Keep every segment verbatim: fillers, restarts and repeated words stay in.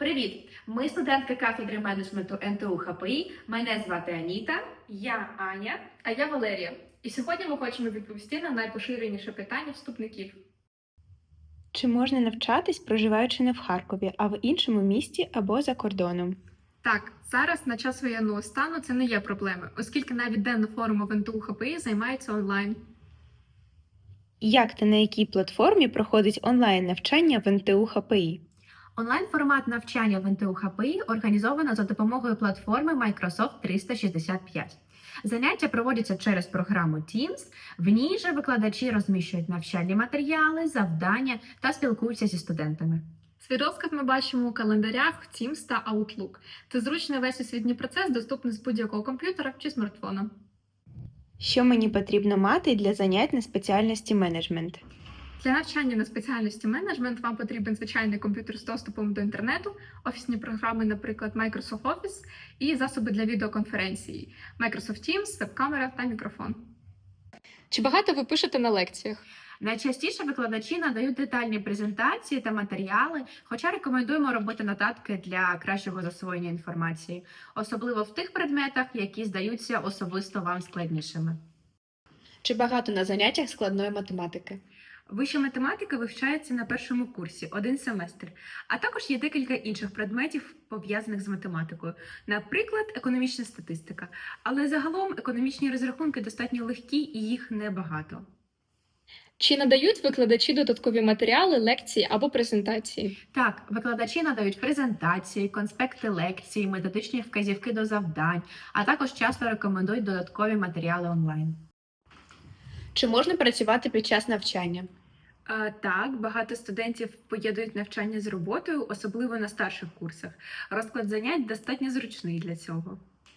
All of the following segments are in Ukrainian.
Привіт! Ми студентки кафедри менеджменту ен те у ха пе і. Мене звати Аніта. Я Аня, а я Валерія. І сьогодні ми хочемо відповісти на найпоширеніше питання вступників. Чи можна навчатись, проживаючи не в Харкові, а в іншому місті або за кордоном? Так, зараз на час воєнного стану це не є проблеми, оскільки навіть денну форму в ен те у ха пе і займається онлайн. Як та на якій платформі проходить онлайн-навчання в ен те у ха пе і? Онлайн-формат навчання в ен те у ха пе і організовано за допомогою платформи Microsoft триста шістдесят п'ять. Заняття проводяться через програму Teams. В ній же викладачі розміщують навчальні матеріали, завдання та спілкуються зі студентами. Свій розклад ми бачимо у календарях Teams та Outlook. Це зручний весь освітній процес, доступний з будь-якого комп'ютера чи смартфона. Що мені потрібно мати для занять на спеціальності менеджмент? Для навчання на спеціальності менеджмент вам потрібен звичайний комп'ютер з доступом до інтернету, офісні програми, наприклад, Microsoft Office, і засоби для відеоконференції Microsoft Teams, веб-камера та мікрофон. Чи багато ви пишете на лекціях? Найчастіше викладачі надають детальні презентації та матеріали, хоча рекомендуємо робити нотатки для кращого засвоєння інформації, особливо в тих предметах, які здаються особисто вам складнішими. Чи багато на заняттях складної математики? Вища математика вивчається на першому курсі, один семестр, а також є декілька інших предметів, пов'язаних з математикою, наприклад, економічна статистика. Але загалом економічні розрахунки достатньо легкі і їх небагато. Чи надають викладачі додаткові матеріали, лекції або презентації? Так, викладачі надають презентації, конспекти лекцій, методичні вказівки до завдань, а також часто рекомендують додаткові матеріали онлайн. Чи можна працювати під час навчання? А, так, багато студентів поєднують навчання з роботою, особливо на старших курсах. Розклад занять достатньо зручний для цього.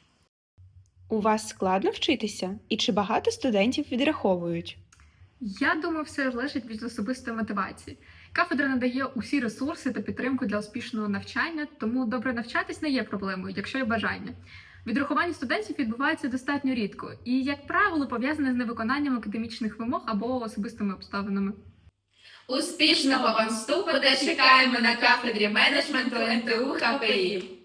У вас складно вчитися? І чи багато студентів відраховують? Я думаю, все залежить від особистої мотивації. Кафедра надає усі ресурси та підтримку для успішного навчання, тому добре навчатись не є проблемою, якщо є бажання. Відрахування студентів відбувається достатньо рідко і, як правило, пов'язане з невиконанням академічних вимог або особистими обставинами. Успішного вам вступу та чекаємо на кафедрі менеджменту ен те у ха пе і.